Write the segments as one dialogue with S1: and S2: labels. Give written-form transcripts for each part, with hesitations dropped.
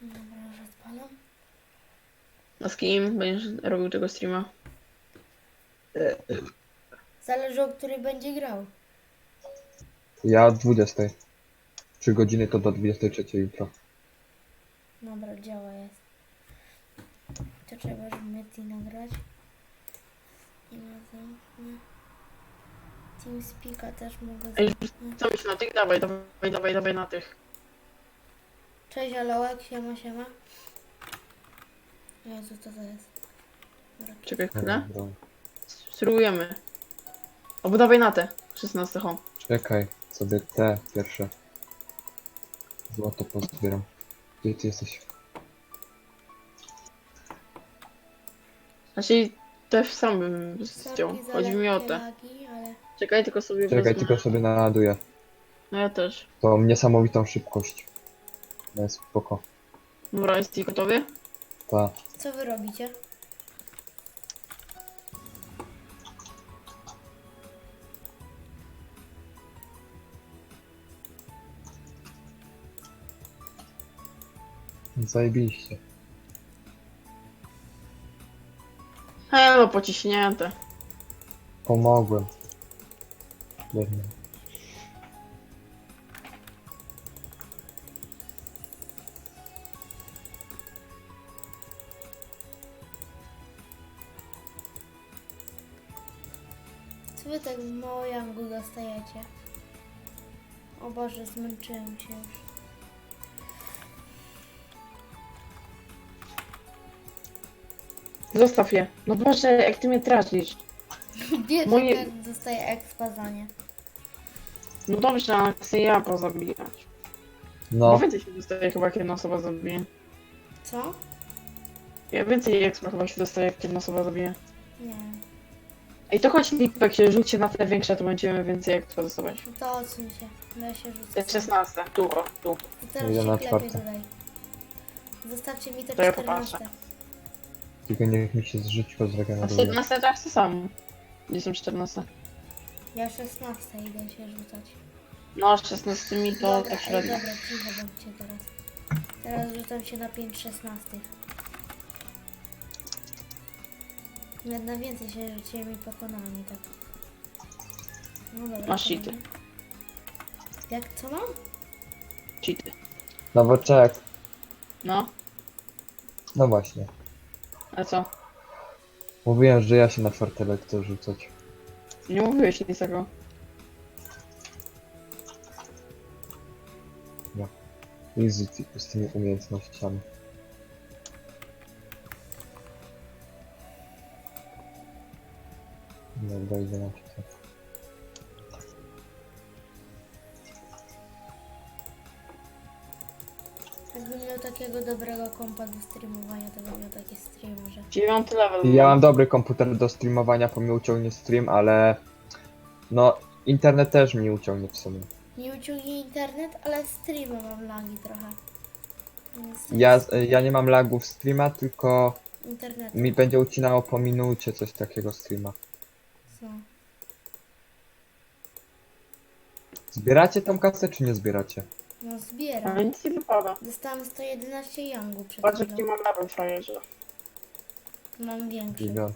S1: Dobra, już odpalam.
S2: A z kim będziesz robił tego streama?
S1: Zależy, o której będzie grał.
S3: Ja od 20. 3 godziny to do 23 jutro.
S1: Dobra, działa jest. To trzeba, żeby Meti nagrać. I na zamknę. TeamSpeaka też mogę
S2: Ej,
S1: zamknąć.
S2: co myślisz na tych? Dawaj na tych.
S1: Cześć, Alołek, siema, siema. Jezu, co to jest? Dobra,
S2: Czekaj chwilę.
S3: Dobra.
S2: Spróbujemy. Albo dawaj na te. 16 home.
S3: Czekaj, sobie te pierwsze. Złoto pozbieram. Gdzie ty jesteś?
S2: Znaczy też sam bym zdjął.
S1: sorki za
S2: Chodzi mi o
S1: lekkie
S2: te.
S1: lagi, ale...
S2: Czekaj, tylko sobie
S3: Czekaj,
S2: wezmę.
S3: tylko sobie naładuję.
S2: No ja też.
S3: To niesamowitą szybkość. No jest spoko.
S2: Dobra, jesteś gotowy?
S3: Ta.
S1: Co wy robicie?
S3: Zajebiście.
S2: No pociśnięte.
S3: Pomogłem. Biedny.
S1: Co wy tak mało jangu dostajecie? O Boże, zmęczyłem się już.
S2: Zostaw je. No Boże, jak ty mnie tracisz.
S1: Wiesz,
S2: Moje-
S1: jak dostaję expa za nie.
S2: No dobrze, ale chcę ja pozabijać.
S3: No,
S2: Bo więcej się dostaje chyba jak jedna osoba zabije.
S1: Co?
S2: Ja więcej expa chyba się dostaje jak jedna osoba zabije.
S1: Nie.
S2: Ej, to chodź Lipek się rzućcie na te większe, to będziemy więcej expa dostawać.
S1: No to odsuń się. Ja się rzucę.
S2: Te 16, tu, o, tu.
S1: I teraz
S3: Idę
S1: się
S3: na
S1: klepie
S3: czwarte.
S1: tutaj. Zostawcie mi to
S2: To ja
S1: 14.
S2: popatrzę.
S3: tylko niech mi się żyćko
S2: A
S3: zregeneruje.
S2: 17 tak samo. Gdzie są 14?
S1: Ja 16 idę się rzucać.
S2: No, z 16 to
S1: Dobra,
S2: tak średnio.
S1: dobra, cicho bądźcie teraz. Teraz rzucam się na 5 16. Nawet na więcej się rzuciłem i pokonałem i tak. No dobra.
S2: Masz
S1: kolejny.
S2: cheaty.
S1: Jak co mam?
S2: Cheaty.
S3: Nowoczek.
S2: No,
S3: No właśnie.
S2: a co?
S3: Mówiłem, że ja się na fortele chcę rzucać.
S2: Nie mówiłeś nic takiego.
S3: I z tymi umiejętnościami. Dobra, idę na czytać.
S1: Jakbym miał takiego dobrego kompa do streamowania, to bym miał takie streamy, że...
S2: 9 level.
S3: Ja mam dobry komputer do streamowania, po mnie uciągnie stream, ale... No, internet też mi uciągnie w sumie.
S1: Nie uciągnie internet, ale streamy mam lagi trochę.
S3: Ja nie mam lagów streama, tylko
S1: Internet.
S3: mi będzie ucinało po minucie coś takiego streama.
S1: Co?
S3: Zbieracie tą kasę, czy nie zbieracie?
S1: No zbieram.
S2: Ale nic nie wypada.
S1: Dostałem 111 yangu przed
S2: Patrz jaki
S1: chwilą.
S2: mam level frajerze.
S1: Mam większy.
S3: 9.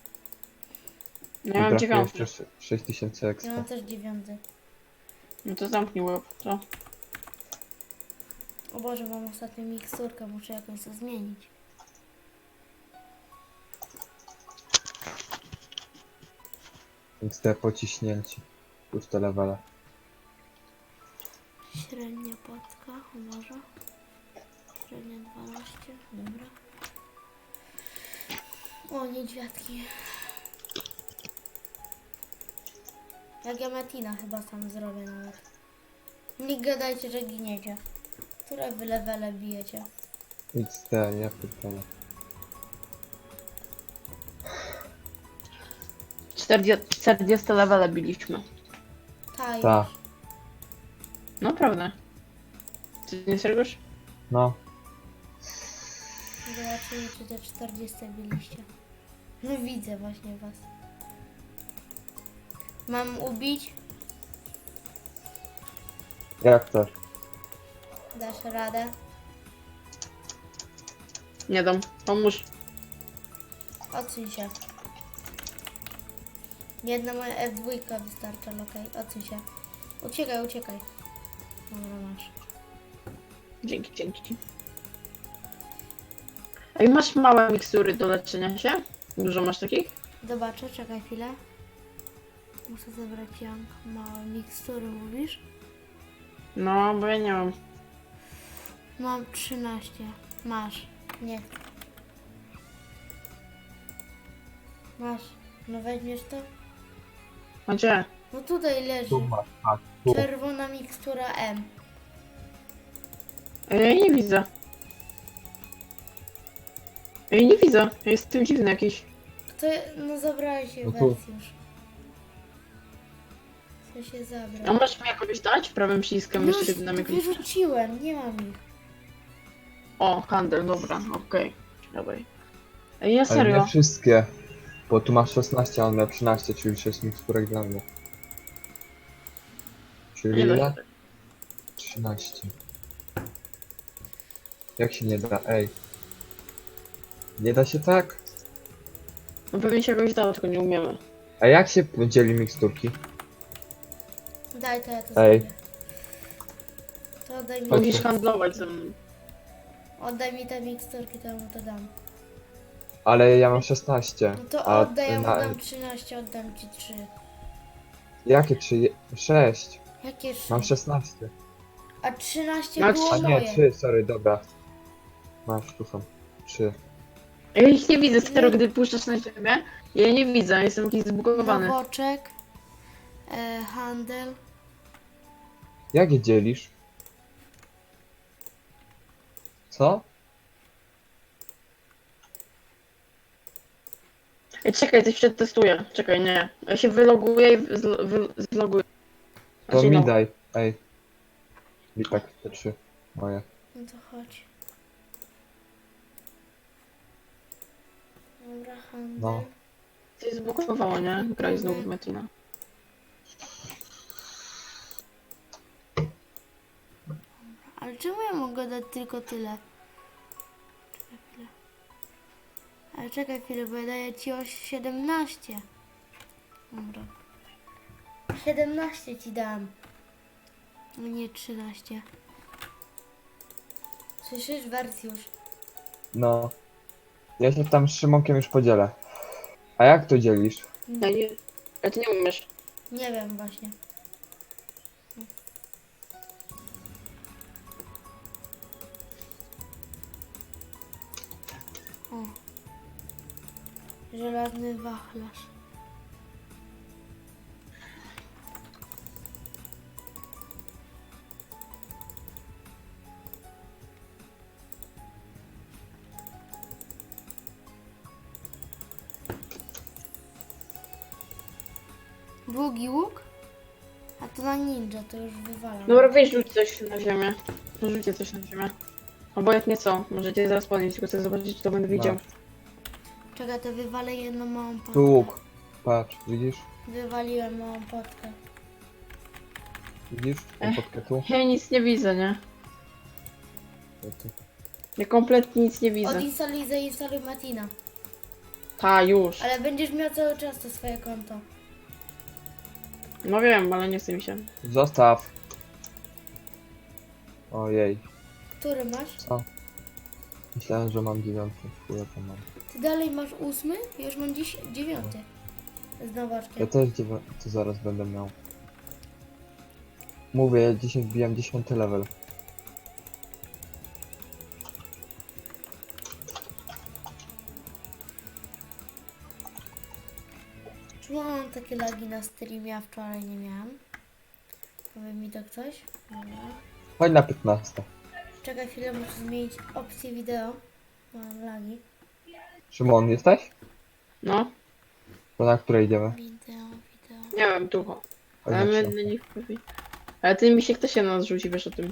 S2: No ja mam
S3: Brakuje
S2: 9.
S3: jeszcze 6000
S1: Ja
S3: ekstra.
S1: mam też 9.
S2: No to zamknij łeb, co?
S1: O Boże, mam ostatnią miksturkę, muszę jakąś to zmienić.
S3: Więc te pociśnięci. Już te levele.
S1: Średnia płatka, o może. Średnia 12, dobra. O, niedźwiadki. Jak ja Metina chyba sam zrobię nawet. Nie gadajcie, że giniecie. Które wy levele bijecie?
S3: XD, ja pytałem.
S2: 40 levele biliśmy.
S1: Ta
S3: Ta.
S1: już.
S2: No prawda. Ty nie serwisz?
S3: No.
S1: Zobaczymy, czy te 40 biliście. No widzę właśnie was. Mam ubić?
S3: Jak to?
S1: Dasz radę?
S2: Nie dam. Pomóż.
S1: Odsuń się. Jedna moja F2 wystarcza, ale okej, odsuń się. Uciekaj, uciekaj. Dobra, masz.
S2: Dzięki. Ej, masz małe mikstury do leczenia się? Dużo masz takich?
S1: Zobaczę, czekaj chwilę. Muszę zebrać Jank. Małe mikstury, mówisz?
S2: No, bo ja nie mam.
S1: Mam 13. Masz. Nie. Masz. No weźmiesz to?
S2: A gdzie?
S1: No tutaj leży.
S3: Tu masz, tak, tu.
S1: Czerwona mikstura M.
S2: Ej, ja jej nie widzę. Ej, nie widzę. Jestem dziwny jakiś.
S1: To, no zabrałeś się
S3: No tu.
S1: wersję już. Co się
S2: A
S1: zabrał?
S2: możesz mi jakoś dać? Prawym przyciskiem
S1: Już
S2: jeszcze na jakiś...
S1: wyrzuciłem, nie mam ich.
S2: O, handel, dobra, okej. Dawaj. Ej, ja
S3: Ale
S2: serio.
S3: nie wszystkie. Bo tu masz 16, a on miał 13, czyli 6 miksturek dla mnie. Czyli
S2: Nie da
S3: ile?
S2: się.
S3: 13. Jak się nie da? Ej. Nie da się tak?
S2: No pewnie się jakoś dało, tylko nie umiemy.
S3: A jak się dzieli miksturki?
S1: Daj to, ja to
S3: Ej.
S1: zrobię. To oddaj mi,
S3: Chodź
S2: Musisz
S3: tu.
S2: handlować ze mną.
S1: oddaj mi te miksturki, to ja mu to dam.
S3: Ale ja mam 16.
S1: No to
S3: a
S1: oddaj, ja mu
S3: na-
S1: dam 13, oddam ci 3.
S3: Jakie 3? 6.
S1: Jakie 3?
S3: Mam 16.
S1: A 13
S2: Max-
S1: było
S3: A nie,
S1: moje.
S3: 3, sorry, dobra. Masz, tu są. 3.
S2: Ja ich nie widzę, staro, gdy puszczasz na siebie. Ja je nie widzę, jestem jakiś zbugowany.
S1: Nowoczek. Handel.
S3: Jak je dzielisz? Co?
S2: Ej, czekaj, coś przetestuję. Czekaj, nie. Ja się wyloguję i zloguję.
S3: To
S2: Znaczy,
S3: mi
S2: no.
S3: daj. Ej. I tak, te 3 moje.
S1: No to chodź. Dobra, handel.
S3: No.
S2: Coś zbugowało, nie? Graj znowu w Metina.
S1: Ale czemu ja mogę dać tylko tyle? Czekaj chwilę. Ale czekaj chwilę, bo ja daję ci o 17. Dobra. 17 ci dam. No nie 13. Słyszysz, Wersjusz?
S3: No. Ja się tam z Szymonkiem już podzielę. A jak to dzielisz?
S2: Ja nie... Ale ty nie umiesz.
S1: Nie wiem właśnie. O. Żelazny wachlarz. Długi łuk? A to na ninja, to już wywalam.
S2: Dobra, weź rzuć coś na ziemię. Rzućcie coś na ziemię. Obojętnie co, możecie zaraz podnieść, tylko chcę zobaczyć, czy to będę widział.
S1: Czekaj, to wywalę jedną małą potkę.
S3: Tu łuk. Patrz, widzisz?
S1: Wywaliłem małą potkę.
S3: Widzisz? Tą potkę tu?
S2: Ja nic nie widzę, nie?
S3: To tu.
S2: Ja kompletnie nic nie widzę.
S1: Odinstaluj, zainstaluj Matina.
S2: Ta, już.
S1: Ale będziesz miał cały czas to swoje konto.
S2: No wiem, ale nie chce mi się.
S3: Zostaw. Ojej.
S1: Który masz?
S3: Co? Myślałem, że mam 9. Chuja to mam.
S1: Ty dalej masz 8? Ja już mam dziś 9. Z
S3: Ja
S1: nowaczkiem.
S3: też 9 to zaraz będę miał. Mówię, ja dzisiaj wbijam 10 level.
S1: Czemu mam takie lagi na streamie, a wczoraj nie miałam? Powie mi to ktoś? Dobra.
S3: Chodź na 15.
S1: Czekaj chwilę, muszę zmienić opcję wideo. Mam lagi.
S3: Szymon, jesteś?
S2: No,
S3: To na której idziemy?
S1: Wideo.
S2: nie wiem, tu.
S3: Chodź
S2: Ale
S3: na
S2: my
S3: 3.
S2: na nich powie. Ale ty mi się ktoś się na nas rzuci, wiesz o tym.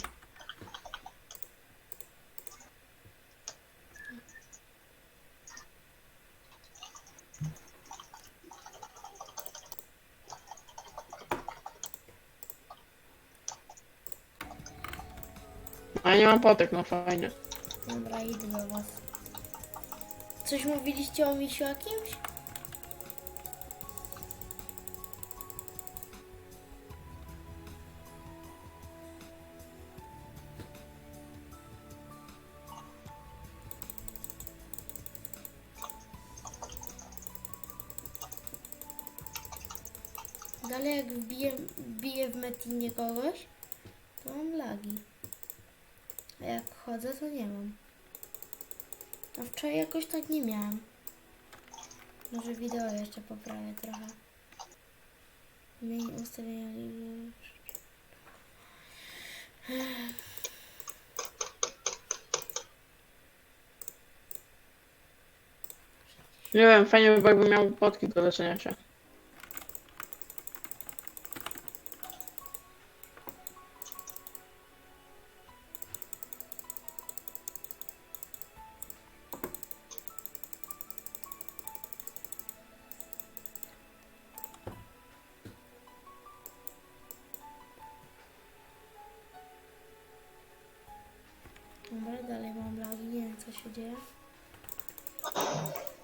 S2: A ja nie mam potek, no fajnie.
S1: Dobra, idę do was. Coś mówiliście o misiu jakimś? Dalej jak wbiję w Metinie kogoś, to mam lagi. A jak chodzę, to nie mam. A wczoraj jakoś tak nie miałam. Może wideo jeszcze poprawię trochę. Zmień ustawienia.
S2: Nie wiem, fajnie by było, jakby miał potki do leczenia się.
S1: Dobra, dalej mam lagi, nie wiem co się dzieje.